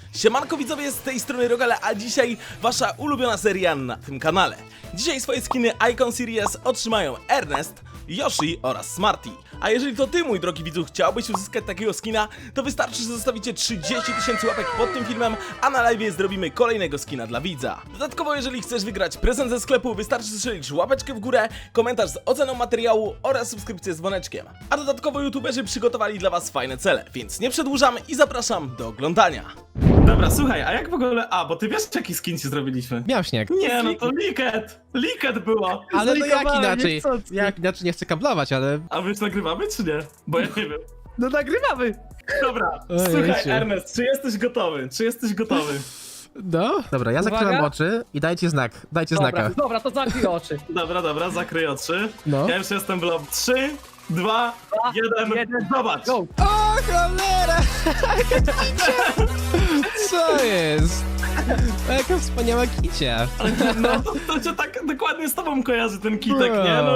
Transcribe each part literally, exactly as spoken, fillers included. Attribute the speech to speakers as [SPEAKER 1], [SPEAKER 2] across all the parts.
[SPEAKER 1] Siemanko widzowie, z tej strony Rogale, a dzisiaj wasza ulubiona seria na tym kanale. Dzisiaj swoje skiny Icon Series otrzymają Ernest, Yoshi oraz Smarty. A jeżeli to ty, mój drogi widzu, chciałbyś uzyskać takiego skina, to wystarczy, że zostawicie trzydzieści tysięcy łapek pod tym filmem, a na live zrobimy kolejnego skina dla widza. Dodatkowo, jeżeli chcesz wygrać prezent ze sklepu, wystarczy strzelić łapeczkę w górę, komentarz z oceną materiału oraz subskrypcję z dzwoneczkiem. A dodatkowo youtuberzy przygotowali dla was fajne cele, więc nie przedłużam i zapraszam do oglądania.
[SPEAKER 2] Dobra, słuchaj, a jak w ogóle... A, bo ty wiesz, jaki skin ci zrobiliśmy?
[SPEAKER 3] Miał śnieg.
[SPEAKER 2] Nie, no to Liket! Liket było!
[SPEAKER 3] Ale no jak
[SPEAKER 2] Zlikowałem,
[SPEAKER 3] inaczej?
[SPEAKER 2] niechcący.
[SPEAKER 3] Jak inaczej nie chcę kablować, ale...
[SPEAKER 2] A my już nagrywamy, czy nie? Bo ja nie wiem.
[SPEAKER 4] No nagrywamy!
[SPEAKER 2] Dobra,
[SPEAKER 3] Ojej,
[SPEAKER 2] słuchaj,
[SPEAKER 3] cię.
[SPEAKER 2] Ernest, czy jesteś gotowy? Czy jesteś gotowy?
[SPEAKER 3] No. Dobra, ja zakryłem
[SPEAKER 4] Uwaga.
[SPEAKER 3] oczy i dajcie znak. Dajcie
[SPEAKER 4] Dobra,
[SPEAKER 3] znaka.
[SPEAKER 4] dobra, to zamknij oczy.
[SPEAKER 2] Dobra, dobra, zakryj oczy.
[SPEAKER 3] No.
[SPEAKER 2] Ja już jestem w lob. Trzy, dwa, jeden,
[SPEAKER 4] jeden.
[SPEAKER 2] zobacz!
[SPEAKER 4] Go!
[SPEAKER 3] O cholera! Co jest? Jaka wspaniała kicia.
[SPEAKER 2] No, to, to cię tak dokładnie z tobą kojarzy ten kitek, nie? No,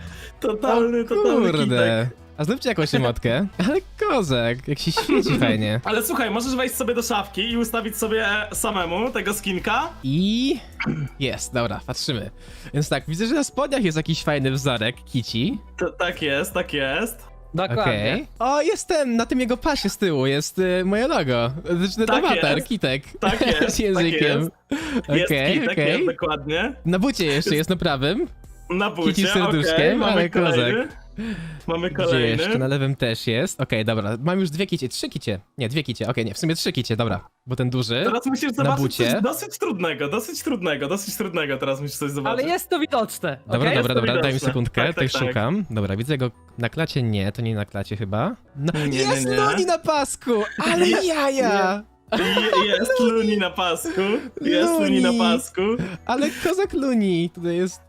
[SPEAKER 2] totalny, totalny kitek.
[SPEAKER 3] Kurde. A zróbcie jakąś emotkę. Ale kozak, jak się świeci fajnie.
[SPEAKER 2] Ale słuchaj, możesz wejść sobie do szafki i ustawić sobie samemu tego skinka.
[SPEAKER 3] I... Jest, dobra, patrzymy. Więc tak, widzę, że na spodniach jest jakiś fajny wzorek kici.
[SPEAKER 2] To, tak jest, tak jest.
[SPEAKER 3] Okej.
[SPEAKER 4] Dokładnie.
[SPEAKER 3] O, jest ten, na tym jego pasie z tyłu jest y, moje logo. Znaczy
[SPEAKER 2] Tak
[SPEAKER 3] awatar,
[SPEAKER 2] jest.
[SPEAKER 3] kitek.
[SPEAKER 2] Tak jest,
[SPEAKER 3] Z językiem.
[SPEAKER 2] tak jest. Jest
[SPEAKER 3] Okej,
[SPEAKER 2] kitek,
[SPEAKER 3] okej.
[SPEAKER 2] jest dokładnie.
[SPEAKER 3] Na bucie jeszcze jest na prawym.
[SPEAKER 2] Na bucie,
[SPEAKER 3] Kici z serduszkiem,
[SPEAKER 2] okej, mamy
[SPEAKER 3] ale
[SPEAKER 2] kolejny. Mamy
[SPEAKER 3] Gdzie
[SPEAKER 2] kolejny.
[SPEAKER 3] jeszcze? Na lewym też jest. Okej, dobra. Mam już dwie kicie, trzy kicie. Nie, dwie kicie. Okej, nie, w sumie trzy kicie, dobra. Bo ten duży.
[SPEAKER 2] Teraz musisz
[SPEAKER 3] na
[SPEAKER 2] zobaczyć
[SPEAKER 3] bucie.
[SPEAKER 2] coś dosyć trudnego, dosyć trudnego, dosyć trudnego teraz musisz coś
[SPEAKER 4] Ale
[SPEAKER 2] zobaczyć.
[SPEAKER 4] jest to widoczne.
[SPEAKER 3] Dobra,
[SPEAKER 4] okej?
[SPEAKER 3] dobra,
[SPEAKER 2] to
[SPEAKER 3] dobra, daj mi
[SPEAKER 2] widoczne.
[SPEAKER 3] sekundkę,
[SPEAKER 2] Tak,
[SPEAKER 3] tutaj
[SPEAKER 2] tak, tak.
[SPEAKER 3] szukam. Dobra, widzę go na klacie, nie, to nie na klacie chyba. No,
[SPEAKER 2] Nie, nie,
[SPEAKER 3] jest
[SPEAKER 2] nie.
[SPEAKER 3] Loni na pasku, ale jaja!
[SPEAKER 2] I jest Luni na pasku, jest Luni na
[SPEAKER 3] Luni.
[SPEAKER 2] pasku,
[SPEAKER 3] Ale kozak Luni, tutaj jest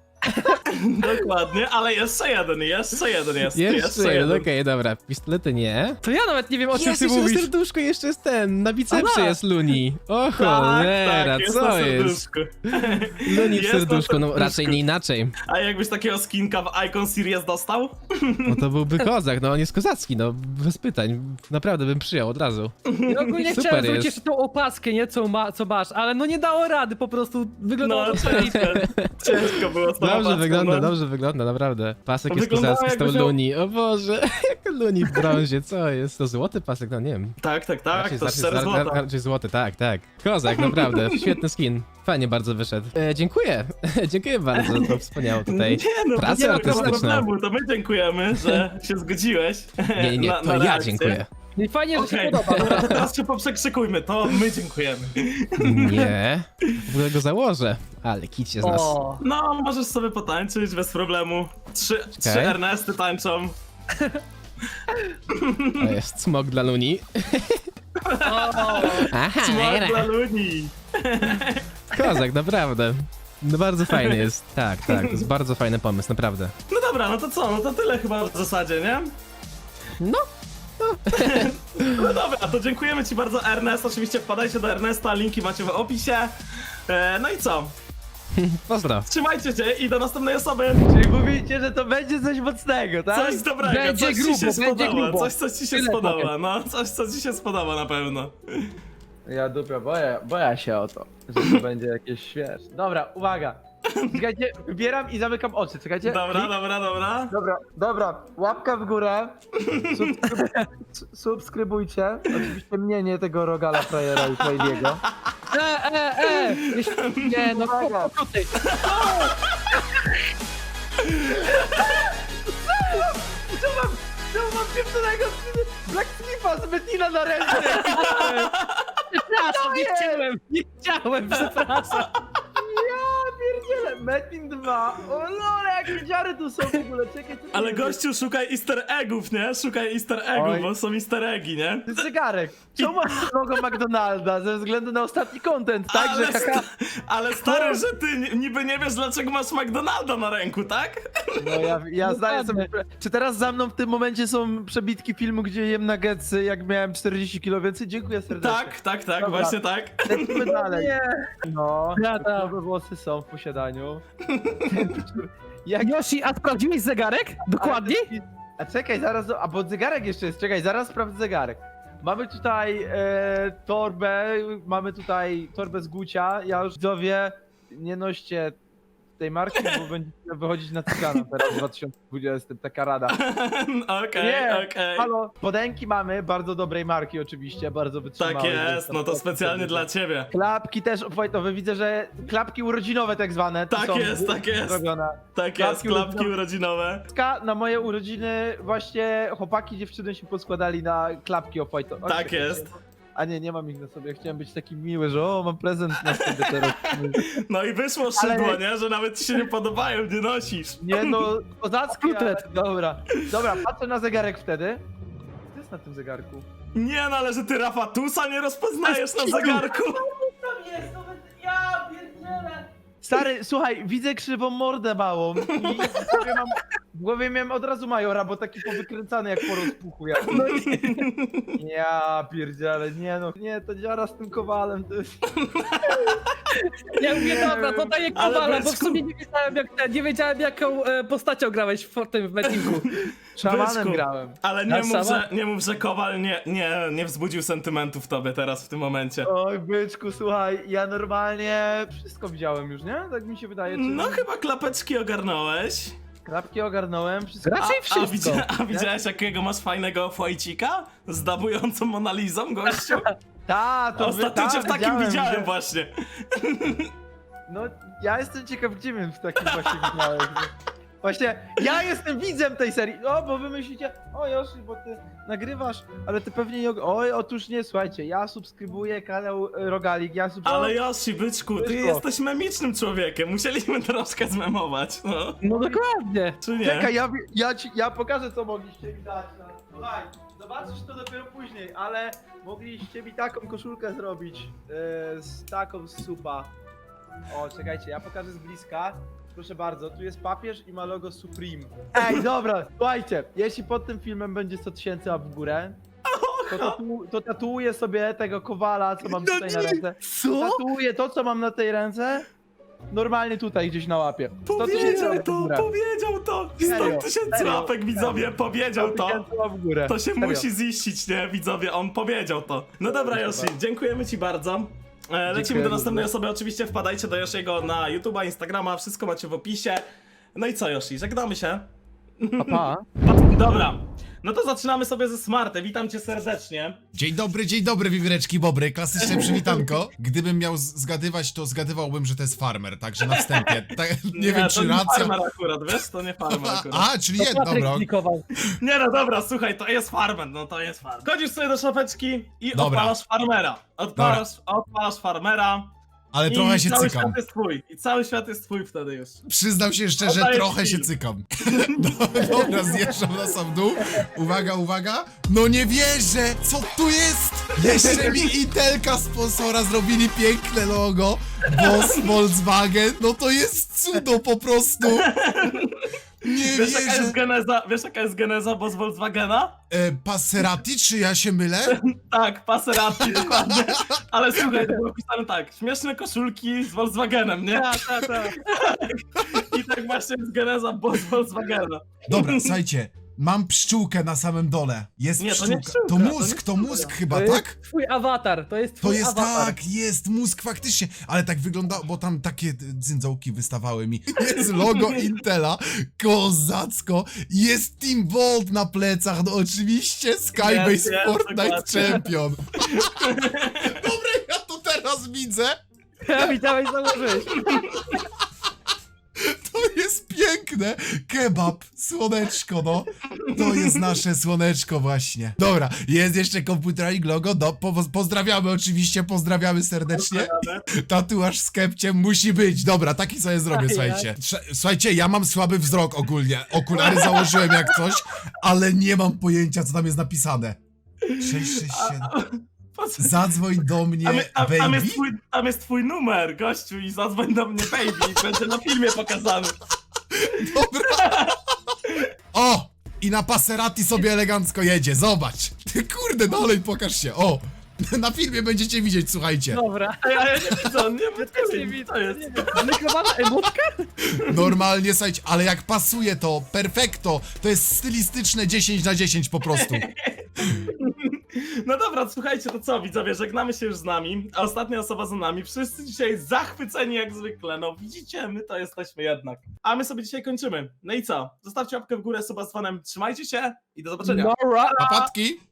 [SPEAKER 2] dokładnie, ale jeszcze jeden, jeszcze jeden jest,
[SPEAKER 3] jeszcze jeden, okej, dobra, pistolety nie.
[SPEAKER 4] To ja nawet nie wiem, o czym
[SPEAKER 3] Jest
[SPEAKER 4] ty
[SPEAKER 3] jeszcze na
[SPEAKER 4] mówisz.
[SPEAKER 3] serduszku, jeszcze jest ten, na bicepsie
[SPEAKER 4] Aha.
[SPEAKER 3] jest Luni. O
[SPEAKER 2] Tak,
[SPEAKER 3] cholera,
[SPEAKER 2] tak, jest
[SPEAKER 3] co
[SPEAKER 2] na
[SPEAKER 3] jest?
[SPEAKER 2] serduszku.
[SPEAKER 3] Luni w
[SPEAKER 2] Jest na
[SPEAKER 3] serduszku, no
[SPEAKER 2] serduszku.
[SPEAKER 3] raczej nie inaczej.
[SPEAKER 2] A jakbyś takiego skinka w Icon Series dostał?
[SPEAKER 3] No to byłby kozak, no on jest kozacki, no bez pytań. Naprawdę bym przyjął od razu.
[SPEAKER 4] Ja ogólnie
[SPEAKER 3] Super
[SPEAKER 4] chciałem zrobić
[SPEAKER 3] jest.
[SPEAKER 4] jeszcze tą opaskę, nie? Co, ma, co masz, ale no nie dało rady, po prostu wyglądało
[SPEAKER 2] No,
[SPEAKER 4] to
[SPEAKER 2] ciężko, ciężko było z tą
[SPEAKER 3] Dobrze
[SPEAKER 2] opaską,
[SPEAKER 3] wygląda,
[SPEAKER 2] no.
[SPEAKER 3] dobrze wygląda, naprawdę. Pasek
[SPEAKER 2] To
[SPEAKER 3] jest
[SPEAKER 2] wyglądało,
[SPEAKER 3] kozacki z tą
[SPEAKER 2] jakby miał-
[SPEAKER 3] Luni, o Boże, jak Luni w brązie, co jest? To złoty pasek, no nie wiem.
[SPEAKER 2] Tak, tak, tak,
[SPEAKER 3] Raczej,
[SPEAKER 2] to
[SPEAKER 3] raczej,
[SPEAKER 2] cztery
[SPEAKER 3] ra-
[SPEAKER 2] złota.
[SPEAKER 3] raczej złoty, tak, tak. Kozak, naprawdę, świetny skin. Fajnie bardzo wyszedł. E, dziękuję, dziękuję bardzo, to wspaniało tutaj.
[SPEAKER 2] Nie no,
[SPEAKER 3] Pracę
[SPEAKER 2] nie ma
[SPEAKER 3] artystyczną.
[SPEAKER 2] problemu, to my dziękujemy, że się zgodziłeś.
[SPEAKER 3] Nie, nie, nie,
[SPEAKER 2] na,
[SPEAKER 3] to
[SPEAKER 2] na
[SPEAKER 3] ja
[SPEAKER 2] reakcję.
[SPEAKER 3] dziękuję.
[SPEAKER 4] I fajnie, że
[SPEAKER 2] Okej,
[SPEAKER 4] się podoba.
[SPEAKER 2] dobra, to teraz się poprzekrzykujmy, to my dziękujemy.
[SPEAKER 3] Nie, w ogóle go założę, ale kicie z nas.
[SPEAKER 4] O,
[SPEAKER 2] No, możesz sobie potańczyć bez problemu. Trzy, trzy Ernesty tańczą.
[SPEAKER 3] To jest smog dla Luni.
[SPEAKER 4] o,
[SPEAKER 3] Aha,
[SPEAKER 2] Smart dla Luni.
[SPEAKER 3] kozak, naprawdę. No bardzo fajny jest, tak, tak, to jest bardzo fajny pomysł, naprawdę.
[SPEAKER 2] No dobra, no to co, no to tyle chyba w zasadzie, nie?
[SPEAKER 4] no,
[SPEAKER 2] No dobra, to dziękujemy ci bardzo, Ernest. Oczywiście wpadajcie do Ernesta, linki macie w opisie. E, no i co?
[SPEAKER 3] Pozdro.
[SPEAKER 2] Trzymajcie się i do następnej osoby.
[SPEAKER 4] czyli mówicie, że to będzie coś mocnego, tak?
[SPEAKER 2] Coś dobrego,
[SPEAKER 4] Będzie
[SPEAKER 2] coś
[SPEAKER 4] grubo,
[SPEAKER 2] ci się
[SPEAKER 4] będzie
[SPEAKER 2] spodoba,
[SPEAKER 4] grubo.
[SPEAKER 2] coś co ci się
[SPEAKER 4] Tyle
[SPEAKER 2] spodoba,
[SPEAKER 4] powiem.
[SPEAKER 2] no, coś co ci się spodoba na pewno.
[SPEAKER 5] Ja dupia, boję, boję się o to, że to będzie jakieś świeże. Dobra, uwaga. Czekajcie, wybieram i zamykam oczy, czekajcie.
[SPEAKER 2] Dobra, dobra, dobra.
[SPEAKER 5] Dobra, dobra, łapka w górę. Subskryb... Subskrybujcie. Oczywiście mnie, nie tego Rogala Frajera i Frajdiego.
[SPEAKER 4] E, e, e! Jeśli- Nie, no
[SPEAKER 5] Uwaga.
[SPEAKER 4] po ty.
[SPEAKER 5] Co mam, co mam pieprzonego Black Slipa z Metina na ręce?
[SPEAKER 4] Przepraszam, nie
[SPEAKER 5] jest?
[SPEAKER 4] chciałem, nie chciałem, przepraszam.
[SPEAKER 5] Ja pierdzielę, Metin dwa. O lore, jakie dziary tu są w ogóle, czekaj. co tu
[SPEAKER 2] Ale
[SPEAKER 5] jest?
[SPEAKER 2] gościu, szukaj easter eggów, nie? Szukaj easter eggów,
[SPEAKER 5] Oj.
[SPEAKER 2] bo są easter eggi, nie?
[SPEAKER 5] To jest zegarek. Czemu masz logo McDonalda? Ze względu na ostatni content, tak?
[SPEAKER 2] ale,
[SPEAKER 5] Że haha.
[SPEAKER 2] sta- ale stary, że ty ni- niby nie wiesz, dlaczego masz McDonalda na ręku, tak?
[SPEAKER 5] No ja, ja zdaję sobie.
[SPEAKER 4] Dokładnie.
[SPEAKER 5] Czy teraz za mną w tym momencie są przebitki filmu, gdzie jem nuggetsy, jak miałem czterdzieści kilo więcej? Dziękuję serdecznie.
[SPEAKER 2] Tak, tak, tak,
[SPEAKER 5] Dobra.
[SPEAKER 2] właśnie tak.
[SPEAKER 5] Lecimy dalej.
[SPEAKER 4] Nie.
[SPEAKER 5] No,
[SPEAKER 4] Ja tam.
[SPEAKER 5] nowe włosy są w posiadaniu. Jak...
[SPEAKER 4] Yoshi, a sprawdziłeś zegarek? Dokładnie?
[SPEAKER 5] A czekaj, zaraz, do- a bo zegarek jeszcze jest, czekaj, zaraz sprawdzę zegarek. mamy tutaj e, torbę, mamy tutaj torbę z Gucia. Ja już widzowie, nie noście tej marki, bo będzie wychodzić na cygana teraz w dwa tysiące dwudziestym, taka rada.
[SPEAKER 2] Okej,
[SPEAKER 5] Nie,
[SPEAKER 2] okej.
[SPEAKER 5] halo, spodenki mamy, bardzo dobrej marki oczywiście, bardzo wytrzymałe.
[SPEAKER 2] Tak jest, no to specjalnie dla ciebie.
[SPEAKER 5] Klapki też obfajtowe, widzę, że klapki urodzinowe tak zwane. tu
[SPEAKER 2] Tak
[SPEAKER 5] są
[SPEAKER 2] jest, tak jest.
[SPEAKER 5] zrobione.
[SPEAKER 2] Tak jest,
[SPEAKER 5] Klapki
[SPEAKER 2] klapki urodzinowe.
[SPEAKER 5] Na moje urodziny właśnie chłopaki, dziewczyny się poskładali na klapki obfajtowe.
[SPEAKER 2] Tak jest.
[SPEAKER 5] A nie, nie mam ich na sobie, chciałem być taki miły, że o, mam prezent na sobie teraz.
[SPEAKER 2] No i wyszło
[SPEAKER 5] Ale-
[SPEAKER 2] szydło, nie? Że nawet ci się nie podobają, nie nosisz.
[SPEAKER 5] Nie no, kozacki, ale...
[SPEAKER 4] Kotlet.
[SPEAKER 5] Dobra, dobra, patrzę na zegarek wtedy. Co jest na tym zegarku?
[SPEAKER 2] Nie no, ale że ty Rafatusa nie rozpoznajesz na zegarku.
[SPEAKER 5] Tam jest, nawet ja pierdzielę. Stary, słuchaj, widzę krzywą mordę małą i w głowie, mam, w głowie miałem od razu Majora, bo taki powykręcany jak po rozpuchu. Jak... No nie. Ja pierdzielę, nie no, nie, to dziara z tym kowalem, to jest...
[SPEAKER 4] Ja mówię, dobra, to daję
[SPEAKER 2] Ale
[SPEAKER 4] kowala, bo w
[SPEAKER 2] byczku.
[SPEAKER 4] sumie nie wiedziałem, jak, nie wiedziałem jaką e, postacią grałeś w tym w meetingu.
[SPEAKER 5] Szamanem
[SPEAKER 2] Byczku.
[SPEAKER 5] grałem.
[SPEAKER 2] Ale nie
[SPEAKER 4] A
[SPEAKER 2] mów,
[SPEAKER 4] sama?
[SPEAKER 2] że, nie mów, że Kowal nie, nie, nie wzbudził sentymentów w tobie teraz, w tym momencie.
[SPEAKER 5] Oj, byczku, słuchaj, ja normalnie wszystko widziałem już, nie? Tak mi się wydaje, czy...
[SPEAKER 2] No chyba klapeczki ogarnąłeś.
[SPEAKER 5] Klapki ogarnąłem, wszystko...
[SPEAKER 4] Raczej
[SPEAKER 2] A,
[SPEAKER 4] wszystko.
[SPEAKER 2] widzia, a widziałeś jakiego masz fajnego fajcika? Z dabującą Monalizą, gościu?
[SPEAKER 5] Ta, to
[SPEAKER 2] Ostatnio
[SPEAKER 5] ta,
[SPEAKER 2] cię w takim widziałem
[SPEAKER 5] widziałem.
[SPEAKER 2] właśnie.
[SPEAKER 5] No, ja jestem ciekaw, gdzie mnie w takim właśnie widziałeś. Właśnie, ja jestem widzem tej serii. O, bo wy myślicie, o Yoshi, bo ty nagrywasz, ale ty pewnie nie... og- Oj, otóż nie, słuchajcie, ja subskrybuję kanał e, Rogalik, ja subskrybuję...
[SPEAKER 2] Ale Yoshi, byczku, ty
[SPEAKER 5] Byczku.
[SPEAKER 2] jesteś memicznym człowiekiem. Musieliśmy troszkę zmemować, no.
[SPEAKER 4] No dokładnie.
[SPEAKER 2] Czy nie?
[SPEAKER 5] Czekaj, ja, ja, ci, ja pokażę, co mogliście mi dać. No. Słuchaj, zobaczysz to dopiero później, ale mogliście mi taką koszulkę zrobić, e, z taką z supa. O, czekajcie, ja pokażę z bliska. Proszę bardzo, tu jest papież i ma logo Supreme. Ej, dobra, słuchajcie, jeśli pod tym filmem będzie sto tysięcy łap w górę, to, tatu, to tatuuję sobie tego kowala, co mam tutaj na ręce.
[SPEAKER 4] Co?
[SPEAKER 5] Tatuuję to, co mam na tej ręce, normalnie tutaj gdzieś na łapie. sto tysięcy
[SPEAKER 2] Powiedział
[SPEAKER 5] łap w
[SPEAKER 2] to,
[SPEAKER 5] górę.
[SPEAKER 2] powiedział to!
[SPEAKER 5] Serio,
[SPEAKER 2] sto tysięcy
[SPEAKER 5] serio,
[SPEAKER 2] łapek, widzowie, powiedział
[SPEAKER 5] sto
[SPEAKER 2] to!
[SPEAKER 5] tysięcy łap w górę.
[SPEAKER 2] To się
[SPEAKER 5] Serio.
[SPEAKER 2] musi ziścić, nie, widzowie, on powiedział to. No dobra,
[SPEAKER 5] Proszę
[SPEAKER 2] Yoshi,
[SPEAKER 5] bardzo.
[SPEAKER 2] dziękujemy ci bardzo. E, lecimy
[SPEAKER 5] Dziękuję
[SPEAKER 2] do następnej
[SPEAKER 5] bardzo.
[SPEAKER 2] osoby, oczywiście wpadajcie do Yoshiego na YouTube'a, Instagrama, wszystko macie w opisie. No i co, Yoshi, żegnamy się.
[SPEAKER 5] Pa, pa.
[SPEAKER 2] Dobra, no to zaczynamy sobie ze Smarty, witam cię serdecznie.
[SPEAKER 6] Dzień dobry, dzień dobry, wiwireczki bobry, klasyczne przywitanko. Gdybym miał z- zgadywać, to zgadywałbym, że to jest farmer, także na wstępie. Tak, nie, wiem,
[SPEAKER 2] to
[SPEAKER 6] czy
[SPEAKER 2] nie
[SPEAKER 6] racja...
[SPEAKER 2] farmer akurat, wiesz, to nie farmer
[SPEAKER 6] A,
[SPEAKER 2] akurat.
[SPEAKER 6] a, czyli
[SPEAKER 4] To
[SPEAKER 6] jedno,
[SPEAKER 4] Patryk
[SPEAKER 6] dobra.
[SPEAKER 4] klikował.
[SPEAKER 2] Nie no dobra, słuchaj, to jest farmer, no to jest farmer. Chodzisz sobie do szafeczki i
[SPEAKER 6] Dobra.
[SPEAKER 2] odpalasz farmera. Odpalasz, odpalasz farmera.
[SPEAKER 6] Ale
[SPEAKER 2] I
[SPEAKER 6] trochę się
[SPEAKER 2] cały
[SPEAKER 6] cykam.
[SPEAKER 2] świat jest twój. I cały świat jest twój wtedy już.
[SPEAKER 6] Przyznam się szczerze,
[SPEAKER 2] Oddaję
[SPEAKER 6] trochę
[SPEAKER 2] ci
[SPEAKER 6] się
[SPEAKER 2] film.
[SPEAKER 6] cykam. No, dobra, zjeżdżam na sam dół. Uwaga, uwaga. No nie wierzę! Co tu jest? Jeszcze mi Intelka sponsora zrobili piękne logo. Boss Volkswagen. No to jest cudo po prostu. Nie
[SPEAKER 2] Wiesz jaka jest
[SPEAKER 6] wierzę.
[SPEAKER 2] geneza, wiesz jaka jest geneza boss Volkswagena?
[SPEAKER 6] E, Passerati, czy ja się mylę?
[SPEAKER 2] Tak, Passerati, dokładnie. Ale słuchaj, to było pisane tak, śmieszne koszulki z Volkswagenem, nie?
[SPEAKER 4] Tak, tak, tak.
[SPEAKER 2] I tak właśnie jest geneza boss Volkswagena.
[SPEAKER 6] Dobra, słuchajcie. Mam pszczółkę na samym dole. Jest
[SPEAKER 2] Nie, to
[SPEAKER 6] pszczółka.
[SPEAKER 2] nie pszczółka,
[SPEAKER 6] to
[SPEAKER 2] to
[SPEAKER 6] mózg,
[SPEAKER 2] nie
[SPEAKER 6] to mózg chyba,
[SPEAKER 4] To jest
[SPEAKER 6] tak?
[SPEAKER 4] twój awatar, to jest
[SPEAKER 6] To
[SPEAKER 4] twój
[SPEAKER 6] jest
[SPEAKER 4] awatar.
[SPEAKER 6] tak, jest mózg faktycznie, ale tak wygląda, bo tam takie dzyndzałki wystawały mi. Jest logo Intela, kozacko, jest Team Bolt na plecach, no oczywiście Skybase
[SPEAKER 2] Jest, jest,
[SPEAKER 6] Fortnite
[SPEAKER 2] dokładnie.
[SPEAKER 6] Champion. Dobra, ja to teraz widzę,
[SPEAKER 4] Ja widziałeś, założyłeś.
[SPEAKER 6] to jest piękne. Kebab, słoneczko, no. To jest nasze słoneczko właśnie. Dobra, jest jeszcze komputerik logo, do, po, pozdrawiamy oczywiście, pozdrawiamy serdecznie. Tatuaż z kepciem musi być. Dobra, taki sobie zrobię,
[SPEAKER 4] Ajaj.
[SPEAKER 6] słuchajcie. Trze- Słuchajcie, ja mam słaby wzrok ogólnie. Okulary założyłem jak coś, ale nie mam pojęcia, co tam jest napisane. sześć sześć siedem. Zadzwoń do mnie,
[SPEAKER 2] Tam, tam, tam,
[SPEAKER 6] baby.
[SPEAKER 2] jest twój, tam jest twój numer, gościu, i zadzwoń do mnie, baby, i będzie na filmie pokazany.
[SPEAKER 6] Dobra. O! I na Passerati sobie elegancko jedzie, zobacz. Ty kurde, dalej pokaż się, o. Na filmie będziecie widzieć, słuchajcie.
[SPEAKER 4] Dobra.
[SPEAKER 2] A ja, ja nie widzę, on nie
[SPEAKER 4] Ja też nie
[SPEAKER 2] widzę,
[SPEAKER 4] widzę.
[SPEAKER 2] to jest.
[SPEAKER 4] Zlikowana emotka?
[SPEAKER 6] Normalnie, słuchajcie, ale jak pasuje to, perfekto, to jest stylistyczne dziesięć na dziesięć po prostu.
[SPEAKER 2] No dobra, słuchajcie, to co, widzowie, żegnamy się już z nami, a ostatnia osoba za nami. Wszyscy dzisiaj zachwyceni jak zwykle, no widzicie, my to jesteśmy jednak. A my sobie dzisiaj kończymy. No i co? Zostawcie łapkę w górę, suba z fanem, trzymajcie się i do zobaczenia.
[SPEAKER 4] Nora!
[SPEAKER 6] Papatki!